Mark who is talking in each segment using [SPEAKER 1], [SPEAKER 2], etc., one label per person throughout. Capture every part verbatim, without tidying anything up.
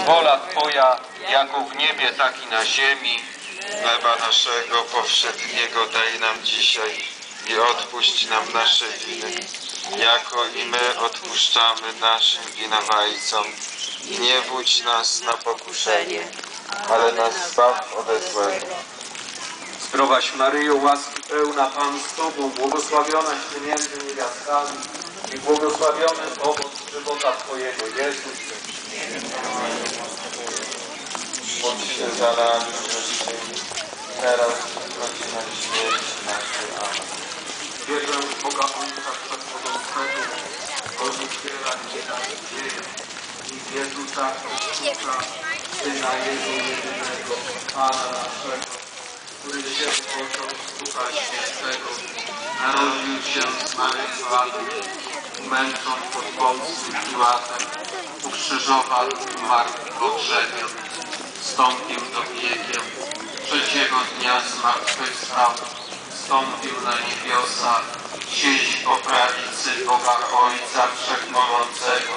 [SPEAKER 1] Wola Twoja, jako w niebie, tak i na ziemi.
[SPEAKER 2] Chleba naszego powszedniego daj nam dzisiaj i odpuść nam nasze winy, jako i my odpuszczamy naszym winowajcom. I nie wódź nas na pokuszenie, ale nas zbaw ode złego.
[SPEAKER 1] Zdrowaś Maryjo, łaski pełna, Pan z Tobą, błogosławionaś Ty między niewiastami i błogosławiony owoc żywota Twojego, Jezus.
[SPEAKER 2] Módl się za nami grzesznymi, teraz i w godzinę śmierci naszej. Amen.
[SPEAKER 1] Wierzę w Boga Ojca Wszechmogącego, Odniciela i Nadzieję i w Jezusa Chrystusa, Syna Jego jedynego, Pana naszego, który się począł z Ducha Świętego, narodził się z Maryi Panny, męcząc pod Pąckim Piłatem, ukrzyżowany, umarł i pogrzebion, wstąpił do piekieł, trzeciego dnia zmartwychwstał, wstąpił na niebiosa, siedzi po prawicy Boga Ojca Wszechmogącego,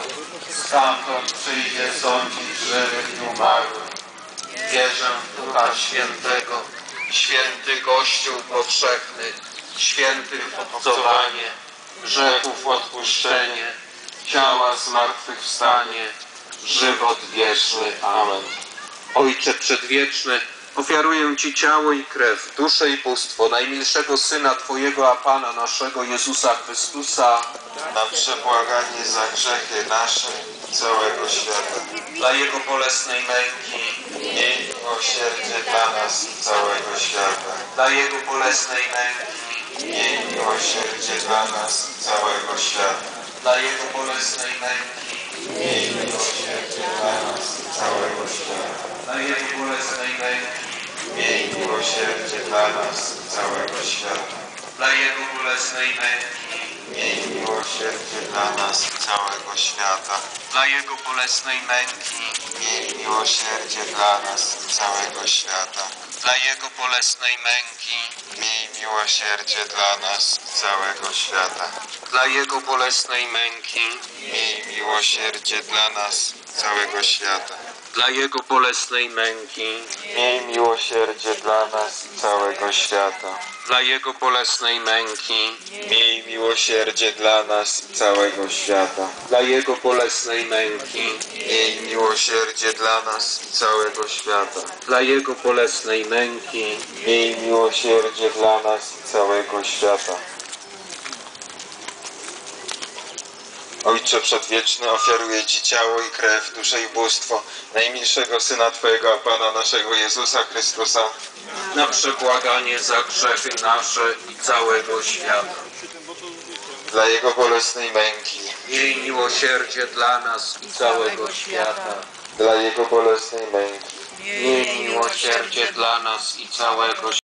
[SPEAKER 1] stamtąd przyjdzie sądzić żywych i umarłych. Wierzę w Ducha Świętego, święty Kościół powszechny, święty obcowanie, grzechów odpuszczenie, ciała zmartwychwstanie, żywot wieczny. Amen. Ojcze Przedwieczny, ofiaruję Ci ciało i krew, duszę i bóstwo najmilszego Syna Twojego, a Pana naszego Jezusa Chrystusa,
[SPEAKER 2] Na przebłaganie za grzechy nasze i całego świata.
[SPEAKER 1] dla Jego bolesnej męki,
[SPEAKER 2] Miej miłosierdzie dla nas i całego świata.
[SPEAKER 1] dla Jego bolesnej męki,
[SPEAKER 2] Miej miłosierdzie dla nas i całego świata.
[SPEAKER 1] dla Jego bolesnej męki,
[SPEAKER 2] Miej miłosierdzie dla nas i całego świata.
[SPEAKER 1] dla Jego bolesnej męki,
[SPEAKER 2] Miej miłosierdzie dla nas i całego świata.
[SPEAKER 1] dla Jego bolesnej męki,
[SPEAKER 2] Miej miłosierdzie dla nas i całego świata.
[SPEAKER 1] dla Jego bolesnej męki,
[SPEAKER 2] Miej miłosierdzie dla nas i całego świata.
[SPEAKER 1] dla Jego bolesnej męki,
[SPEAKER 2] Miej miłosierdzie dla nas i całego świata.
[SPEAKER 1] dla Jego bolesnej męki,
[SPEAKER 2] Miej miłosierdzie dla nas i całego świata.
[SPEAKER 1] dla Jego bolesnej męki,
[SPEAKER 2] Miej miłosierdzie dla nas i całego świata.
[SPEAKER 1] dla Jego bolesnej męki,
[SPEAKER 2] Miej miłosierdzie dla nas i całego świata.
[SPEAKER 1] dla Jego bolesnej męki,
[SPEAKER 2] Miej miłosierdzie dla nas i całego świata.
[SPEAKER 1] dla Jego bolesnej męki,
[SPEAKER 2] Miej miłosierdzie dla nas i całego świata. Ojcze Przedwieczny, ofiaruję Ci ciało i krew, duszę i bóstwo najmilszego Syna Twojego, a Pana naszego Jezusa Chrystusa,
[SPEAKER 1] na przebłaganie za grzechy nasze i całego świata.
[SPEAKER 2] dla Jego bolesnej męki,
[SPEAKER 1] Miej miłosierdzie dla nas i całego świata.
[SPEAKER 2] dla Jego bolesnej męki,
[SPEAKER 1] Miej miłosierdzie dla nas i całego świata.